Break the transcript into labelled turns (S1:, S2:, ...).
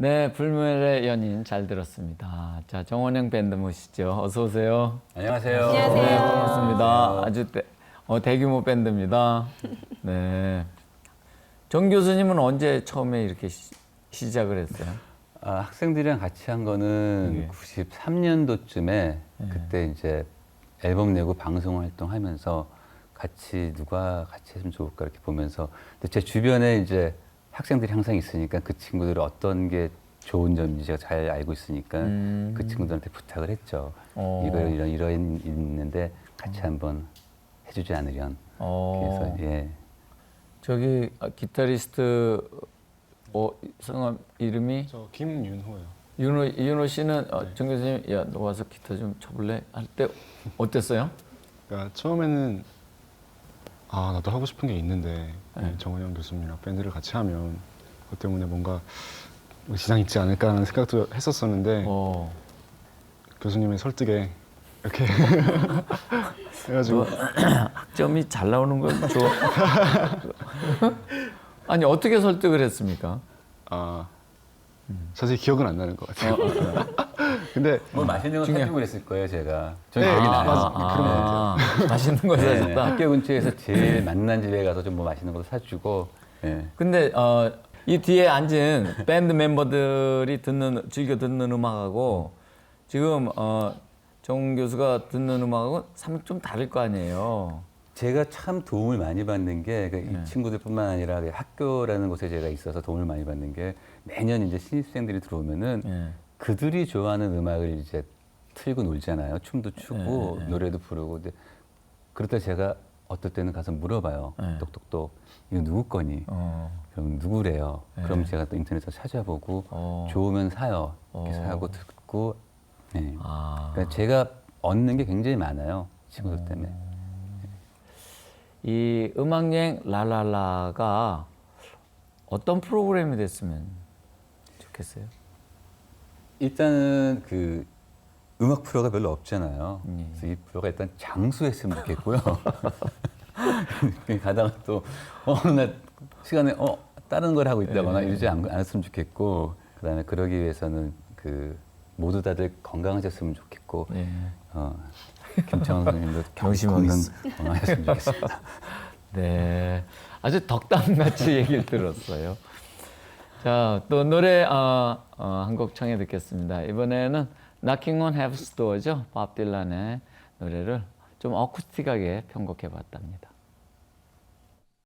S1: 네, 불멸의 연인 잘 들었습니다. 자, 정원영 밴드 모시죠. 어서 오세요.
S2: 안녕하세요.
S3: 안녕하세요.
S1: 네, 반갑습니다. 아주 대규모 밴드입니다. 네. 정 교수님은 언제 처음에 이렇게 시작을 했어요?
S2: 학생들이랑 같이 한 거는
S1: 예.
S2: 93년도쯤에 그때 이제 앨범 내고 방송 활동하면서 누가 같이 했으면 좋을까 이렇게 보면서 근데 제 주변에 이제 학생들이 항상 있으니까 그 친구들이 어떤 게 좋은 점인지 제가 잘 알고 있으니까 그 친구들한테 부탁을 했죠. 이런 있는데 같이 한번 해주지 않으련. 그래서 예.
S1: 저기 기타리스트 성함 이름이
S3: 저 김윤호요.
S1: 윤호 씨는 정 교수님 야, 너 와서 기타 좀 쳐볼래? 할 때 어땠어요?
S3: 그러니까 처음에는 나도 하고 싶은 게 있는데 정원영 교수님이랑 밴드를 같이 하면 그것 때문에 뭔가 지장 있지 않을까라는 생각도 했었었는데 교수님의 설득에 이렇게 해가지고
S1: 학점이 잘 나오는 걸 좋아. 아니 어떻게 설득을 했습니까?
S3: 자세히 기억은 안 나는 것 같아요. 근데
S2: 뭐 맛있는 거 사주고 그랬을 거예요, 제가. 저는
S3: 네,
S2: 기억이 나요.
S3: 그런 것 같아요.
S1: 맛있는 거
S2: 네,
S1: 사줬다.
S2: 학교 근처에서 제일 만난 집에 가서 좀 뭐 맛있는 것도 사주고. 예.
S1: 근데 이 뒤에 앉은 밴드 멤버들이 즐겨 듣는 음악하고 지금 정 교수가 듣는 음악하고 좀 다를 거 아니에요.
S2: 제가 참 도움을 많이 받는 게 이 친구들뿐만 아니라 학교라는 곳에 제가 있어서 도움을 많이 받는 게 매년 이제 신입생들이 들어오면은 그들이 좋아하는 음악을 이제 틀고 놀잖아요. 춤도 추고 노래도 부르고. 근데 그럴 때 제가 어떨 때는 가서 물어봐요. 똑똑똑 이거 누구 거니? 그럼 누구래요? 그럼 제가 또 인터넷에서 찾아보고 좋으면 사요. 이렇게 사고 듣고. 네. 그러니까 제가 얻는 게 굉장히 많아요. 친구들 때문에.
S1: 이 음악여행 랄랄라가 어떤 프로그램이 됐으면 좋겠어요?
S2: 일단은 그 음악 프로가 별로 없잖아요. 그래서 이 프로가 일단 장수했으면 좋겠고요. 가다가 또 어느 날 시간에 다른 걸 하고 있다거나 이러지 않았으면 좋겠고, 그다음에 그러기 위해서는 그 모두 다들 건강하셨으면 좋겠고, 김창원 선생님도 건강하셨으면 좋겠습니다.
S1: 네, 아주 덕담같이 얘기를 들었어요. 자, 또 노래 한 곡 청해 듣겠습니다. 이번에는 Knocking on Heaven's Door죠. 밥 딜란의 노래를 좀 어쿠스틱하게 편곡해 봤답니다.